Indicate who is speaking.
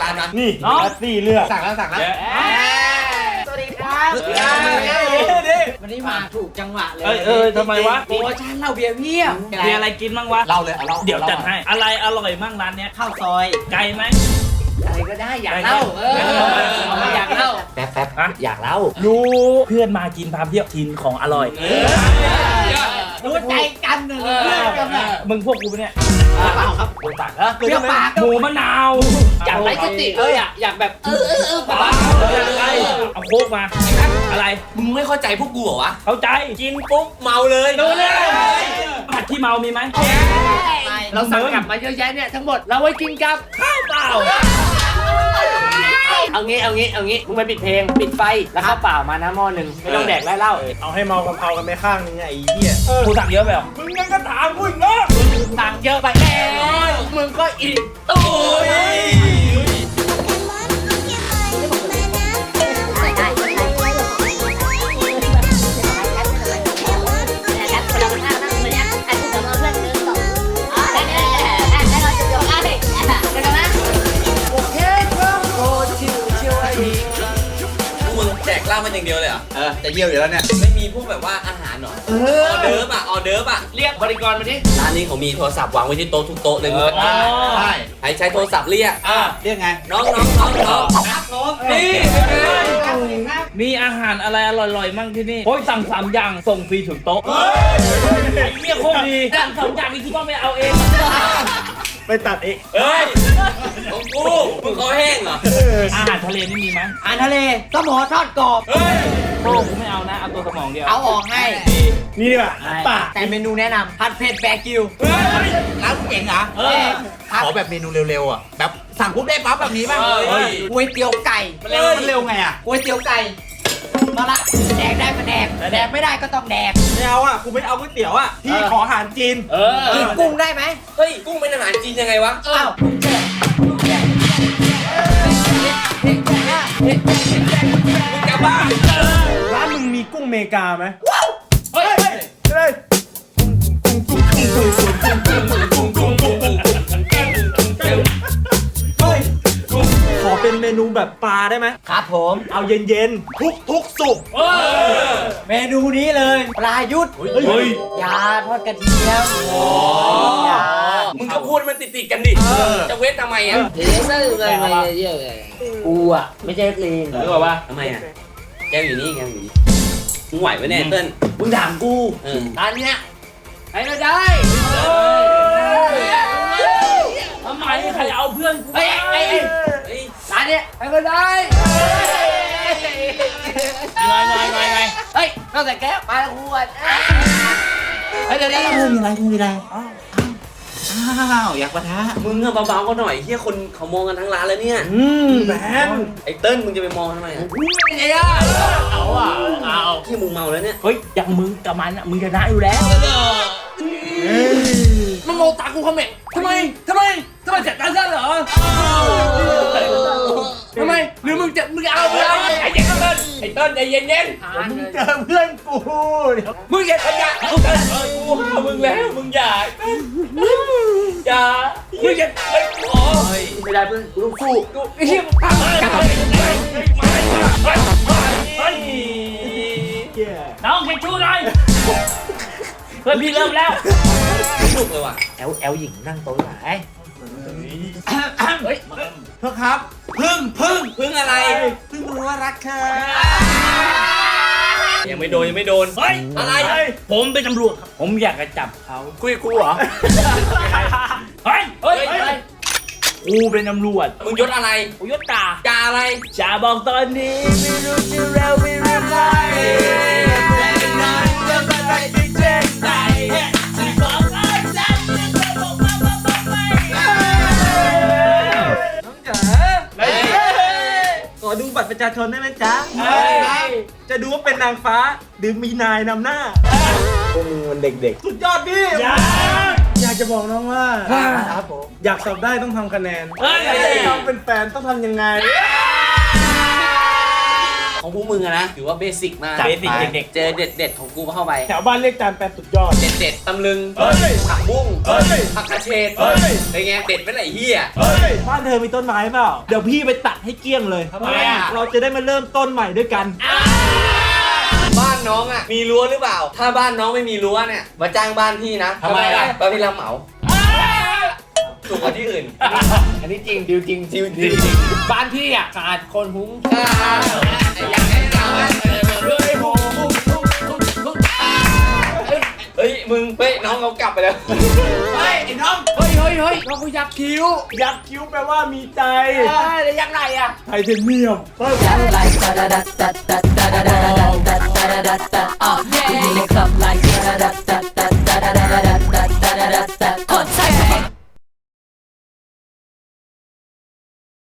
Speaker 1: ร้านนะ
Speaker 2: นี่แอปซี่เลือก
Speaker 1: สั่งแล้ว
Speaker 3: สวัสดีครับวันนี้มาถูกจังหวะเลย
Speaker 4: ทำไมวะ
Speaker 3: โปรโมชั่นเหล้าเบียร์เพียบ
Speaker 4: มีอะไรกินบ้างวะ
Speaker 1: เล่าเลย
Speaker 4: เดี๋ยวจัดให้อะไรอร่อยมั่งร้านเนี้ย
Speaker 3: ข้าวซอย
Speaker 4: ไก่ไหม
Speaker 3: อะไรก็ได้อยากเล่าอยากเล่า
Speaker 1: แป๊บอยากเล่า
Speaker 4: รู้เพื่อนมากินพาเที่ยวกินของอร่อย
Speaker 3: รู้ใจกันเลย
Speaker 4: มึงพวกกูเนี่ย
Speaker 3: เปล่าครับโดนตัดเหรอเปรี้ยวปาก
Speaker 4: หมูมะนาว
Speaker 3: อยากไร้สติเลยอ่ะอยากแบบปาก
Speaker 4: เอาโคกมาอะไร
Speaker 1: มึงไม่เข้าใจพวกกูเหรอวะ
Speaker 4: เข้าใจกินปุ๊บ
Speaker 1: เมาเลย
Speaker 4: ดูเลยผัดขี้เมามีไหม
Speaker 3: เราสั่งกลับมาเยอะแยะเนี่ยทั้งหมดเราไว้กินกับ
Speaker 4: ข้าวเปล่า
Speaker 3: เอางี้มึงไปปิดเพลงปิดไฟแล้วข้าวเปล่ามานะหม้อหนึ่งไม่ต้องแดกได้เหล้า
Speaker 2: เอาให้เมากะเพรากันไปข้างนึงไอ้เหี้ย
Speaker 4: กูสั่งเยอะไปหรอ
Speaker 2: มึงยังก็ถามกูอีกเนาะ
Speaker 3: สั่งเยอะไปแล้วมึงก็อีกตุ้ย
Speaker 1: แจกเหล้ามันอย่างเดียวเลยเหรอจะเยี่ยวอยู่แล้วเนี่ยไม่มีพวกแบบว่าอาหารหรอออเดิร์ฟอ่ะ
Speaker 3: เรียกบริกรมาดิ
Speaker 1: ร้านนี้เขามีโทรศัพท์วางไว้ที่โต๊ะทุกโต๊ะเลยใช่ใช้โทรศัพท์เรียกไงน้องนี่
Speaker 4: มีอาหารอะไรอร่อยๆมั่งที่นี่โอ้ยสั่ง3 อย่างส่งฟรีถึงโต๊ะไอ้เหี้ยโคตรดีสั่ง2 อย่างนี่คิดว่าไม่เอาเอง
Speaker 2: ไปตัดเอง
Speaker 1: ของกูมึงคอแห้งเหรอ
Speaker 4: อาหารทะเลนี่มีไหม
Speaker 3: อาหารทะเลสมอทอดกรอบ
Speaker 4: โอ้กูไม่เอานะเอาตัวสมองเดียว
Speaker 3: เอาออกให้
Speaker 2: นี่ดีกว่าป่า
Speaker 3: แต่เมนูแนะนำผัดเผ็ดแบกิว
Speaker 1: ร้านเก่งเหรอขอแบบเมนูเร็วๆอ่ะแบบสั่งปุ๊บได้ปั๊บแบบนี้ป่ะ
Speaker 3: ก๋วยเตี๋ยวไก่
Speaker 1: มันเร็วไงอ่ะ
Speaker 3: ก๋วยเตี๋ยวไก่มาละแดกได้ก็แดกแดกไม่ได้ก็ต้องแดก
Speaker 2: ไม่เอาอ่ะกูไม่เอาก๋วยเตี๋ยวอ่ะพี่ขออาหารจีน
Speaker 3: กินกุ้งได้ไหม
Speaker 1: เฮ้ยกุ้งเป็นอาหารจีนยังไงวะ
Speaker 3: อ้าว
Speaker 1: มึงจะบ้า
Speaker 2: ร้านมึงมีกุ้งเมกาไหม
Speaker 3: เฮ้ย
Speaker 2: ขอเป็นเมนูแบบปลาได้ไหม
Speaker 3: ครับผม
Speaker 2: เอาเย็นๆทุกสุก
Speaker 3: เมนูนี้เลยปลายุทธยาทอดกระเทียม
Speaker 1: มึงก็พูดมันติดกันดิจะเว้นทำไมอ่ะ
Speaker 3: กูอ่ะไม่ใช่ลีน
Speaker 4: หรือว่า
Speaker 1: ทำไมอ่ะแกอยู่นี่มึงไหวไหมเนี่ยเติ้ล
Speaker 3: มึงถามกูร้านเนี้ยให้เราได้
Speaker 4: ทำไมใครเอาเพื่อนกู
Speaker 3: ร้านเนี้ยให้เราได้
Speaker 4: ไง
Speaker 3: เฮ้ยนอกจากแก้วปลาขวดเฮ้ยเดี๋ยวมีอะไร
Speaker 1: อยากปะทะมึงอะเบาๆก็หน่อยเฮียคนเขามองกันทั้งร้านแล้วเนี่ย
Speaker 2: แมน
Speaker 1: ไอ้เติ้ลมึงจะไปมองทำไมอ่ะ
Speaker 3: ไอ้ย่าเอา
Speaker 1: ที่มึงเมาแล้วเนี่ย
Speaker 4: เฮ้ยอย่างมึงกับมันอะมึงชนะอยู่แล้ว
Speaker 3: มันโมตากูคอมเมนต์ทำไมจัดการฉันเหรอทำไมหรือมึงเอาไอ้เติ้ลใจเย็น
Speaker 2: มึงเจอเพื่อนกู
Speaker 3: มึงอย่าขยัน
Speaker 1: กูห้ามมึงแล้วมึงอย่ามึงอย่า
Speaker 3: ไม่ได้เพื่อนกูต้องสู้กูไอ้เหี้ย
Speaker 4: น้องไปชูหน่อยเพื่อนพี่เริ่มแล้ว
Speaker 1: สนุกเลยว่ะ
Speaker 3: แอลหญิงนั่งโต๊ะไหน
Speaker 1: เฮ้ยเพื่อครับพึ่งอะไรพึ่งรู้ว่ารักเธอยังไม่โดน
Speaker 4: เฮ้ย
Speaker 1: อะไร
Speaker 4: ผมเป็นตำรวจครับผมอยากจะจับเขา
Speaker 1: คุยกูเหรอ
Speaker 4: เฮ้ยกูเป็นตำรวจ
Speaker 1: มึงยศอะไร
Speaker 4: กูยศจ่า
Speaker 1: อะไร
Speaker 4: จ่าบอกตอนนี้ไม่รู้จะเราไม่รู้ใคร
Speaker 2: ขอดูบัตรประชาชนได้ไหมจ๊ะจะดูว่าเป็นนางฟ้าหรือมีนายนำหน้าพวกมึงมันเด็กๆสุดยอดพี่อยากจะบอกน้องว่าอยากสอบได้ต้องทำคะแนนต้องเป็นแฟนต้องทำยังไง
Speaker 1: ของพวกมึงอะนะถือว่าเบสิกมาก
Speaker 2: เบสิกเด็ก
Speaker 1: เจอเด็ดๆของกูเข้าไป
Speaker 2: ๆแถวบ้านเรียกจานแปนสุดยอด
Speaker 1: เด็ดๆตำลึง
Speaker 2: เฮ้ย
Speaker 1: ผักบุ้ง
Speaker 2: เฮ้ย
Speaker 1: ผักกระเฉด
Speaker 2: เฮ้ย
Speaker 1: เป็นไงเด็ดเป็นไหนเหี้ย
Speaker 2: เฮ้ยบ้านเธอมีต้นไม้เปล่าเดี๋ยวพี่ไปตัดให้เกลี้ยงเลย
Speaker 1: ทำไมอะ
Speaker 2: เราจะได้มาเริ่มต้นใหม่ด้วยกัน
Speaker 1: บ้านน้องอ่ะมีรั้วหรือเปล่า ถ้าบ้านน้องไม่มีรั้วเนี่ยมาจ้างบ้านพี่นะ
Speaker 3: ทำไมล่ะ
Speaker 1: บ้านพี่รับเหมาถูกกว่าที่อื่น
Speaker 3: อันนี้จริงดิวจริง
Speaker 1: จริง
Speaker 3: บ้านพี่อ่ะขาดคนหุ้ง
Speaker 1: อยากให้เราอะเฮ้ยมึงเฮ้ยน้องเขากลับไปแล้ว
Speaker 3: เฮ้ยไอ้น้องเฮ้ยน้องกูยักคิ้ว
Speaker 2: ยักษ์คิ้วแปลว่ามีใจ
Speaker 3: แล้วยักไหนอ่ะ
Speaker 2: ไทเทเนียม
Speaker 5: like da da da da da da da da